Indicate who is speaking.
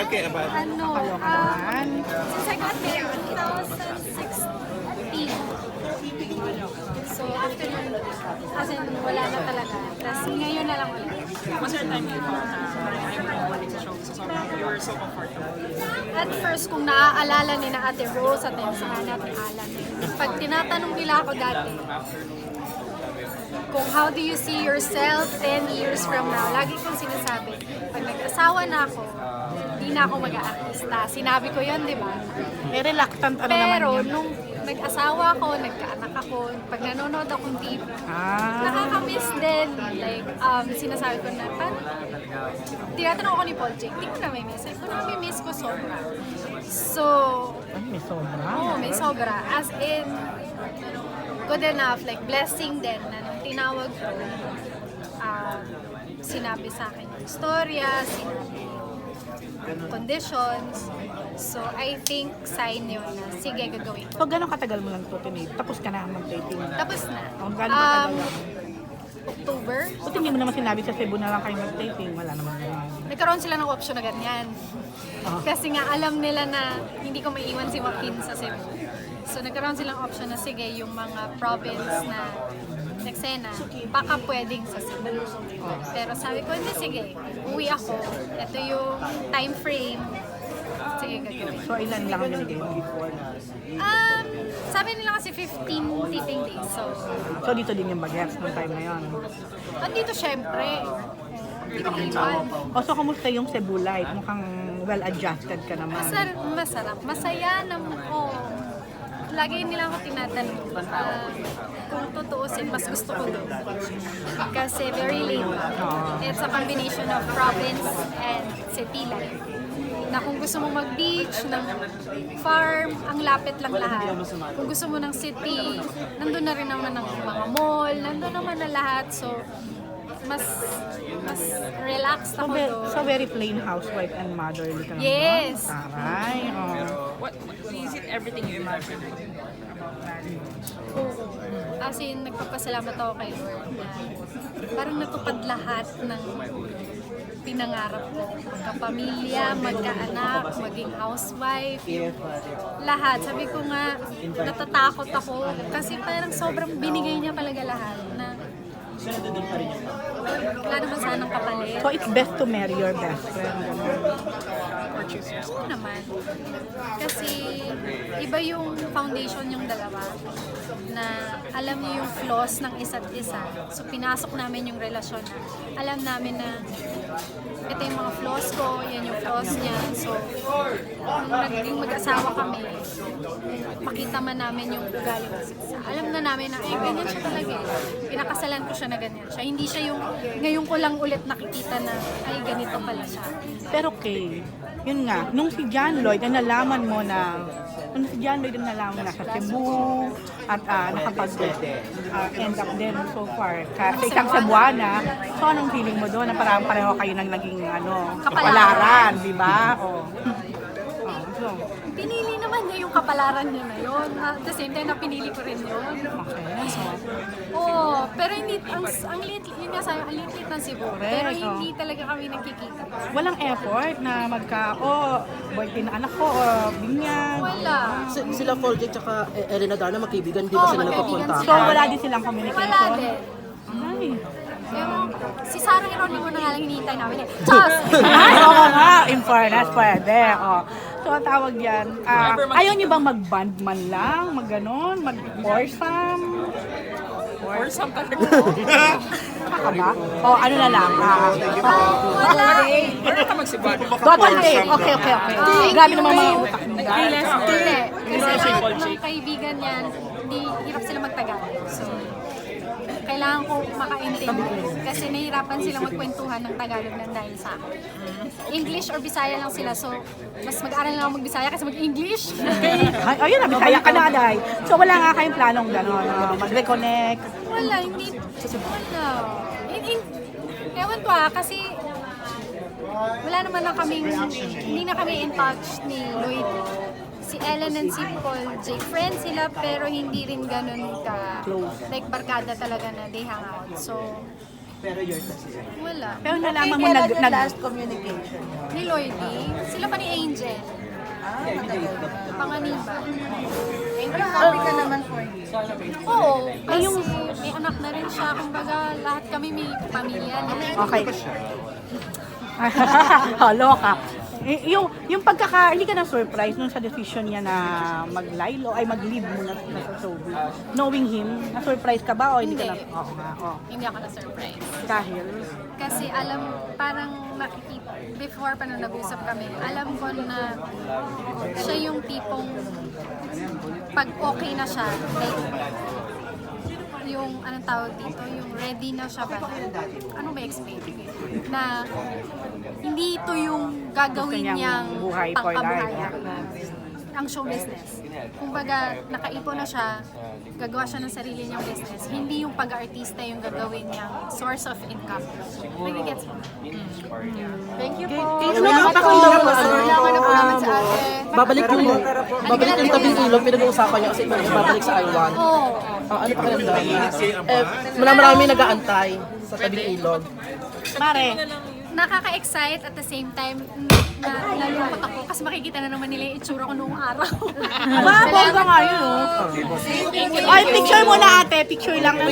Speaker 1: Okay, about
Speaker 2: Since I got there 2016. So after nun, as in, wala na talaga. Tapos ngayon na lang ulit.
Speaker 3: Was there a time you thought na parang ayaw mo bumalik sa show so sobrang you were so comfortable?
Speaker 2: At first, kung naaalala ni na Ate Rose at yung sa Ate Alan, pag tinatanong nila ako dati, kung how do you see yourself 10 years from now, lagi kong sinasabi, pag nag-asawa na ako, hindi na ako mag-aartista. Sinabi ko yun, di ba?
Speaker 4: Reluctant ano naman
Speaker 2: Pero
Speaker 4: yun.
Speaker 2: nung nag-asawa ako, nagkaanak ako, pag nanonood akong TV, nakaka-miss din. Like, sinasabi ko na, parang, tinatanong ako ni Paul Jake, di ko na may miss. Ko na may miss ko sobra. So,
Speaker 4: May sobra.
Speaker 2: oo, may sobra. As in, good enough, like, blessing din na nung tinawag ko, sinabi sa akin yung storya, sinabi yung conditions. So, I think sign yun na, sige, gagawin ko.
Speaker 4: So, gano'ng katagal mo lang ito, Tinay? Tapos ka na mag-dating?
Speaker 2: Tapos na.
Speaker 4: Oh, gano'ng katagal?
Speaker 2: October.
Speaker 4: Buti hindi mo naman sinabi sa Cebu na lang kayo mag-dating. Wala naman naman.
Speaker 2: Nagkaroon sila ng option na ganyan. Kasi nga alam nila na hindi ko maiwan si Joaquin sa Cebu. So nagkaroon silang option na sige, yung mga province na nagsena, baka pwedeng sa Cebu. Pero sabi ko, hindi, sige, uwi ako. Ito yung time frame. Sige, gagawin.
Speaker 4: So, ilan lang ang binigay mo?
Speaker 2: Sabi nila kasi 15 taping days.
Speaker 4: So, dito din yung bagets nung time na yun.
Speaker 2: Andito syempre. Hindi ko iwan.
Speaker 4: O, so, kamusta yung Cebu life? Mukhang well-adjusted ka naman.
Speaker 2: Masarap. Masaya naman ko. Lagi nila ako tinatanong. Kung tutuusin, mas gusto ko doon. Kasi very laid back. It's a combination of province and city life. Na kung gusto mo mag-beach, ng farm, ang lapit lang lahat. Kung gusto mo ng city, nandun na rin naman ang mga mall, nandun naman na lahat. So, mas relaxed ako doon.
Speaker 4: So, very plain housewife and motherly ka naman.
Speaker 2: Yes.
Speaker 4: Taray.
Speaker 3: What is it everything you imagine about marriage?
Speaker 2: As in, nagpapasalamat ako kay Lord na parang natupad lahat ng pinangarap ko. Magkapamilya, magkaanak, maging housewife, lahat. Sabi ko nga, natatakot ako kasi parang sobrang binigay niya talaga lahat na wala naman sanang kapalit.
Speaker 4: So, it's best to marry your best friend.
Speaker 3: Or choose yourself?
Speaker 2: Oo naman. Kasi iba yung foundation yung dalawa na alam niyo yung flaws ng isa't isa. So pinasok namin yung relasyon na alam namin na ito yung mga flaws ko, yan yung flaws niya. So nung naging mag-asawa kami, pakita man namin yung ugali ng isa't isa. Alam na namin na ganyan siya talaga eh. Pinakasalan ko siya na ganyan siya. Hindi siya yung ngayon ko lang ulit nakikita na ay ganito pala siya.
Speaker 4: Pero okay, yun nga, nung si John Lloyd, nalaman mo na, nung si John Lloyd nalaman mo na sa Cebu, at nakapag-end up din so far, sa isang Cebuana, so anong feeling mo doon na parang pareho kayo nang naging kapalaran, di ba? So,
Speaker 2: Pinili naman niya yung kapalaran niya na yun. At the same time, na pinili ko rin yun.
Speaker 4: okay. So,
Speaker 2: Oo, pero hindi, ang liit, yun nga sabi, ang liit ng Cebu. Pero hindi talaga kami nagkikita.
Speaker 4: walang effort na birthday na anak ko, o binyag.
Speaker 2: Wala.
Speaker 5: Sila Paul Jake tsaka Elena Dana magkaibigan, di ba sila
Speaker 2: magkaibigan
Speaker 5: nagpapunta?
Speaker 4: So, wala din silang communication.
Speaker 2: Wala din.
Speaker 4: Ay.
Speaker 2: Pero si Sarah Geronimo na nga lang hinihintay namin eh. Diyos!
Speaker 4: Ay, oo nga, in fairness, pwede. So, ang tawag yan, ayaw niyo bang mag-band man lang, mag-ganon, mag-foursome?
Speaker 3: Or some kind of
Speaker 4: Baka ba? O, ano na lang?
Speaker 2: Wala.
Speaker 3: Meron ka magsibad.
Speaker 4: Double date. Okay. Grabe naman mga utak mo.
Speaker 2: Hindi. Kasi lahat ng kaibigan niyan, hindi hirap sila magtagalog. So, kailangan ko makaintindi. Kasi nahihirapan sila magkwentuhan ng Tagalog ng dahil sa akin. English or Bisaya lang sila. So, mas mag-aral lang ako mag-Bisaya kasi mag-English.
Speaker 4: Ay, ayun na, bisaya ka na, Aday. So, wala nga kayong planong gano'n, mag-reconnect.
Speaker 2: Wala, hindi. Wala. Ewan ko kasi wala naman na kaming, hindi na kami in touch ni Lloyd. Si Ellen and si Paul Jake, friends sila pero hindi rin ganun ka, like barkada talaga na they hang out. So, Wala.
Speaker 4: Pero nalaman mo nag
Speaker 1: last communication.
Speaker 2: Ni Lloydie, sila pa ni Angel. Panganiba.
Speaker 1: Pero happy ka naman for you.
Speaker 2: Oo, kasi may anak na rin siya. Kumbaga, lahat kami may pamilya na.
Speaker 4: Okay. Loka. Yung hindi ka na-surprise nung sa decision niya na mag-leave muna sa showbiz. Knowing him, na-surprise ka ba o hindi ka na?
Speaker 2: Hindi.
Speaker 4: Oo nga, oo.
Speaker 2: Hindi ako na-surprise.
Speaker 4: Dahil?
Speaker 2: Kasi parang nakikita, before pa nung nag-usap kami, alam ko na siya yung tipong pag okay na siya, like, yung anong tawag dito, yung ready na siya ba? Ano ba explain? Na hindi ito yung gagawin
Speaker 4: Gusto niyang
Speaker 2: niyang
Speaker 4: buhay for
Speaker 2: pangkabuhayan.
Speaker 4: life.
Speaker 2: Ang show business. Kumbaga, nakaipon na siya, gagawa siya ng sarili niyang business. Hindi yung pag-artista yung gagawin niyang source of income. Nagigets mo?
Speaker 1: Thank you po.
Speaker 5: Salamat po.
Speaker 1: Wala ka na salamat sa ate.
Speaker 5: Babalik yung tabing ilog, pinag-uusapan niya kasi babalik sa Iwan.
Speaker 2: Oo.
Speaker 5: Ano pa kayo marami nag-aantay sa tabing ilog.
Speaker 4: Mare,
Speaker 2: Nakaka-excite at the same time na nalungkot ako kasi makikita na naman nila yung itsura ko noong araw.
Speaker 4: bongga nga yun, oh. Ay, picture mo na ate, picture lang.